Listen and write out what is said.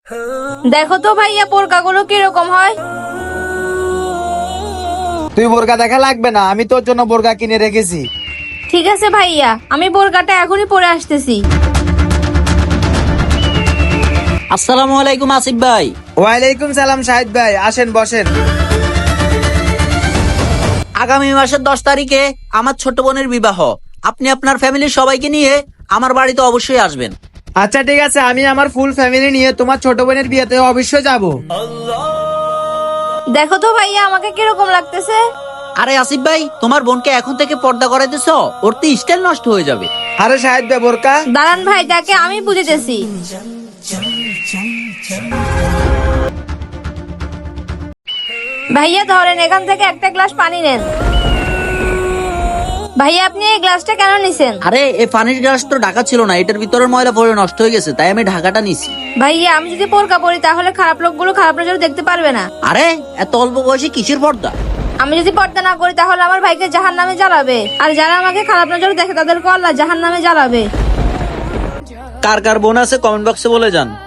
দেখো তো ভাইয়া বোরকাগুলো কিরকম হয়। তুই বোরকা দেখা লাগবে না, আমি তোর জন্য বোরকা কিনে রেখেছি। ঠিক আছে ভাইয়া, আমি বোরকাটা এখনই পরে আসতেছি। আসসালামু আলাইকুম আসিফ ভাই। ওয়ালাইকুম সালাম শাহিদ ভাই, আসেন বসেন। আগামী মাসের 10 তারিখে আমার ছোট বোনের বিবাহ। আপনি আপনার ফ্যামিলির সবাইকে নিয়ে আমার বাড়িতে অবশ্যই আসবেন। আচ্ছা ঠিক আছে, আমি আমার ফুল ফ্যামিলি নিয়ে তোমার ছোট বোনের বিয়েতে অবশ্যই যাব। দেখো তো ভাইয়া আমাকে কিরকম লাগতেছে। আরে আসিফ ভাই, তোমার বোনকে এখন থেকে পর্দা করে দিছো, ওর তো স্টাইল নষ্ট হয়ে যাবে। আরে শাহিদ ভাই বোরকা। দাঁড়ান ভাই, তাকে আমি বুঝেতেছি। ভাইয়া ধরেন, এখান থেকে একটা গ্লাস পানি নেন। ভাইয়া আপনি এই গ্লাসটা কেন নিছেন? আরে এই পানির গ্লাস তো ঢাকা ছিল না, এটার ভিতরের ময়লা পড়ে নষ্ট হয়ে গেছে, তাই আমি ঢাকাটা নিছি। ভাইয়া আমি যদি বোরকা পরি তাহলে খারাপ লোকগুলো খারাপ নজরে দেখতে পারবে না। আরে এত অল্প বয়সে কিসের পর্দা? আমি যদি পর্দা না করি তাহলে আমার ভাইকে জাহান্নামে জ্বালাবে, আর যারা আমাকে খারাপ নজরে দেখে তাদেরকে আল্লাহ জাহান্নামে জ্বালাবে। কার কার বোন আছে কমেন্ট বক্সে বলে যান।